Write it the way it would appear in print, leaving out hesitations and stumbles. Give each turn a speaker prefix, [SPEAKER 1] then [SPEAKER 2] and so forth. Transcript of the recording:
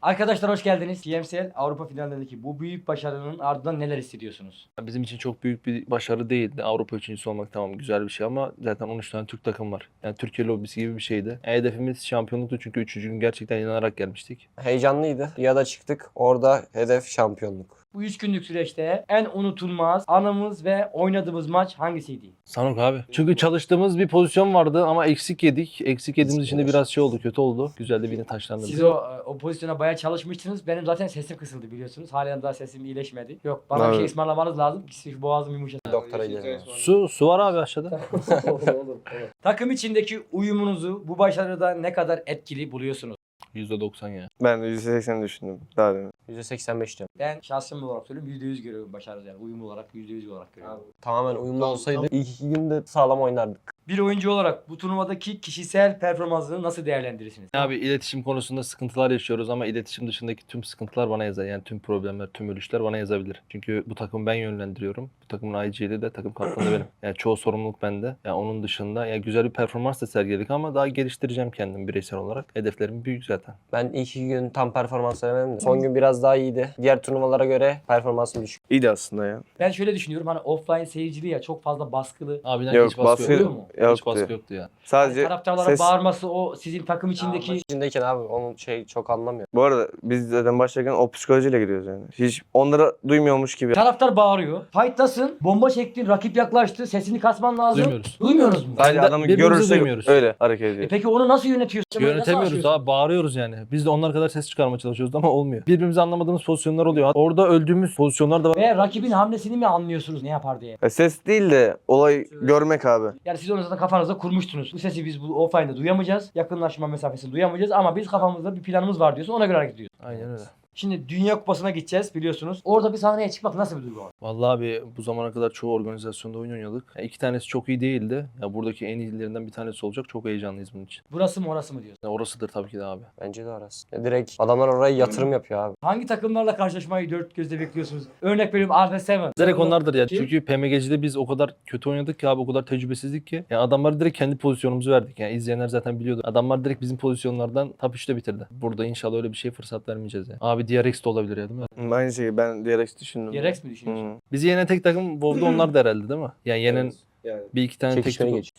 [SPEAKER 1] Arkadaşlar hoş geldiniz. TMSL Avrupa finallerindeki bu büyük başarının ardından neler hissediyorsunuz?
[SPEAKER 2] Bizim için çok büyük bir başarı değildi. Avrupa üçüncüsü olmak tamam güzel bir şey ama zaten 13 tane Türk takım var. Yani Türkiye lobisi gibi bir şeydi. Hedefimiz şampiyonluktu çünkü 3. gün gerçekten inanarak gelmiştik.
[SPEAKER 3] Heyecanlıydı. Riyad'a çıktık. Orada hedef şampiyonluk.
[SPEAKER 1] Bu 3 günlük süreçte en unutulmaz anımız ve oynadığımız maç hangisiydi?
[SPEAKER 2] Sanok abi. Çünkü çalıştığımız bir pozisyon vardı ama eksik yedik. Eksik yediğimiz için de biraz şey oldu, kötü oldu. Güzel de bir yine taşlandırdık.
[SPEAKER 1] Siz o pozisyona bayağı çalışmıştınız. Benim zaten sesim kısıldı biliyorsunuz. Halen daha sesim iyileşmedi. Yok bana bir şey
[SPEAKER 4] Evet.
[SPEAKER 1] ısmarlamanız lazım ki şu boğazım yumuşasın.
[SPEAKER 3] Doktora gidelim.
[SPEAKER 2] Su var abi aşağıda.
[SPEAKER 1] olur. Takım içindeki uyumunuzu bu başarıda ne kadar etkili buluyorsunuz?
[SPEAKER 2] %90 ya.
[SPEAKER 4] Ben de %80 düşündüm daha demin.
[SPEAKER 3] %85 diyorum.
[SPEAKER 1] Ben şahsım olarak söylüyorum %100 görüyorum başarı yani uyum olarak %100 olarak görüyorum.
[SPEAKER 3] Tamamen uyumlu olsaydı ilk 2 günde sağlam oynardık.
[SPEAKER 1] Bir oyuncu olarak bu turnuvadaki kişisel performansını nasıl değerlendirirsiniz?
[SPEAKER 2] Abi iletişim konusunda sıkıntılar yaşıyoruz ama iletişim dışındaki tüm sıkıntılar bana yazar. Yani tüm problemler, tüm ölüşler bana yazabilir. Çünkü bu takımı ben yönlendiriyorum. Bu takımın IG'li de takım kaptanı da benim. Yani çoğu sorumluluk bende. Yani onun dışında yani güzel bir performans da sergiledik ama daha geliştireceğim kendimi bireysel olarak. Hedeflerim büyük zaten.
[SPEAKER 3] Ben ilk 2 gün tam performans veremedim de. Son gün biraz daha iyiydi. Diğer turnuvalara göre performansım düşük.
[SPEAKER 4] İyiydi aslında ya.
[SPEAKER 1] Ben şöyle düşünüyorum hani offline seyircili ya çok fazla baskılı.
[SPEAKER 2] Abiden
[SPEAKER 4] Yok,
[SPEAKER 2] hiç baskı
[SPEAKER 4] baskı
[SPEAKER 2] yok.
[SPEAKER 1] oluyor mu?
[SPEAKER 2] Hiç
[SPEAKER 4] yoktu.
[SPEAKER 2] baskı yoktu ya.
[SPEAKER 4] Sadece
[SPEAKER 1] Taraftarlara
[SPEAKER 4] ses...
[SPEAKER 1] bağırması o sizin takım içindeki
[SPEAKER 3] İçindeyken abi onun çok anlamıyor.
[SPEAKER 4] Bu arada biz zaten başlarken o psikolojiyle gidiyoruz yani. Hiç onları duymuyormuş gibi.
[SPEAKER 1] taraftar bağırıyor. Fight'tasın, bomba çektin, rakip yaklaştı, sesini kasman lazım.
[SPEAKER 2] Duymuyoruz.
[SPEAKER 1] Duymuyoruz mu?
[SPEAKER 4] Sadece adamı
[SPEAKER 2] birbirimizi
[SPEAKER 4] görürse
[SPEAKER 2] duymuyoruz.
[SPEAKER 4] öyle hareket ediyor.
[SPEAKER 1] Peki onu nasıl yönetiyorsun?
[SPEAKER 2] Yönetemiyoruz
[SPEAKER 1] Nasıl
[SPEAKER 2] abi, bağırıyoruz yani. Biz de onlar kadar ses çıkarmaya çalışıyoruz ama olmuyor. Birbirimizi anlamadığımız pozisyonlar oluyor. Orada öldüğümüz pozisyonlar da var.
[SPEAKER 1] Ve rakibin hamlesini mi anlıyorsunuz ne yapar diye?
[SPEAKER 4] Ses değil de olay görmek abi.
[SPEAKER 1] Yani siz onu zaten kafanızda kurmuştunuz. Bu sesi biz bu offline'da duyamayacağız. Yakınlaşma mesafesini duyamayacağız ama biz kafamızda bir planımız var diyorsun. Ona göre hareket ediyorsun.
[SPEAKER 2] Aynen öyle.
[SPEAKER 1] Şimdi Dünya Kupası'na gideceğiz biliyorsunuz. Orada bir sahneye çıkmak nasıl bir duygu var?
[SPEAKER 2] Vallahi abi bu zamana kadar çoğu organizasyonda oyun oynadık. Ya iki tanesi çok iyi değildi. Ya buradaki en iyilerinden bir tanesi olacak. Çok heyecanlıyız bunun için.
[SPEAKER 1] Burası mı orası mı diyorsun?
[SPEAKER 2] Ya orasıdır tabii ki de abi.
[SPEAKER 3] Bence de arası. Direkt adamlar oraya yatırım yapıyor abi.
[SPEAKER 1] Hangi takımlarla karşılaşmayı dört gözle bekliyorsunuz? Örnek veriyorum Alpha Seven.
[SPEAKER 2] Direkt onlardır ya.
[SPEAKER 1] Kim?
[SPEAKER 2] Çünkü PMG'de biz o kadar kötü oynadık ki abi, o kadar tecrübesizdik ki. Yani adamlara direkt kendi pozisyonumuzu verdik. Yani izleyenler zaten biliyordu. Adamlar direkt bizim pozisyonlardan top 3'te bitirdi. Burada inşallah öyle bir şey fırsat vermeyeceğiz yani. Abi DRX de olabilir ya, değil mi?
[SPEAKER 4] Aynı şeyi ben DRX düşündüm.
[SPEAKER 1] DRX mi düşünüyorsun?
[SPEAKER 4] Hı.
[SPEAKER 2] Bizi yenen tek takım WoW'da onlar da herhalde, değil mi? Yani yenen
[SPEAKER 4] Yani.
[SPEAKER 2] bir iki tane tek
[SPEAKER 3] Çekişmeli
[SPEAKER 2] takım.
[SPEAKER 3] geç.